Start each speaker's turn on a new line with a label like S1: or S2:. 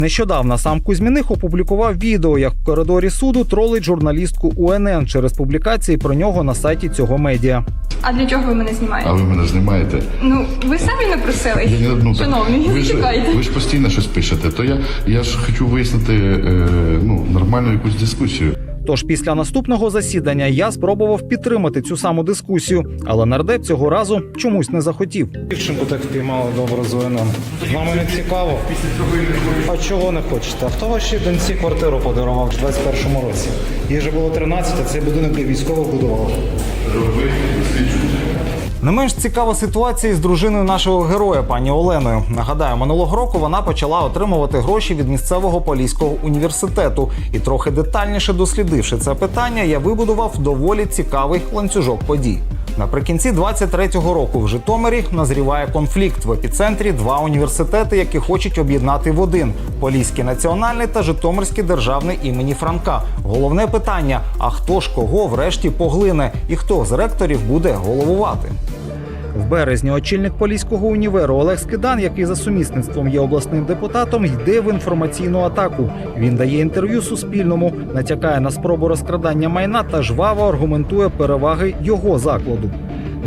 S1: Нещодавно сам Кузьміних опублікував відео, як в коридорі суду тролить журналістку УНН через публікації про нього на сайті цього медіа.
S2: А для чого ви мене знімаєте?
S3: А ви мене знімаєте?
S2: Ну, ви самі напросили. Шановні, чекайте.
S3: Ви ж постійно щось пишете, то я ж хочу вияснити нормальну якусь дискусію.
S1: Тож після наступного засідання я спробував підтримати цю саму дискусію, але нардеп цього разу чомусь не захотів.
S4: Дівчинку так впіймали добре з ОНН. Нам не цікаво. А чого не хочете? А хто вашій доньці квартиру подарував в 21-му році? Їй же було 13, а цей будинок для військових будував.
S1: Не менш цікава ситуація з дружиною нашого героя, пані Оленою. Нагадаю, минулого року вона почала отримувати гроші від місцевого Поліського університету. І трохи детальніше дослідивши це питання, я вибудував доволі цікавий ланцюжок подій. Наприкінці 23-го року в Житомирі назріває конфлікт. В епіцентрі два університети, які хочуть об'єднати в один – Поліський національний та Житомирський державний імені Франка. Головне питання – а хто ж кого врешті поглине і хто з ректорів буде головувати? В березні очільник Поліського універу Олег Скидан, який за сумісництвом є обласним депутатом, йде в інформаційну атаку. Він дає інтерв'ю Суспільному, натякає на спробу розкрадання майна та жваво аргументує переваги його закладу.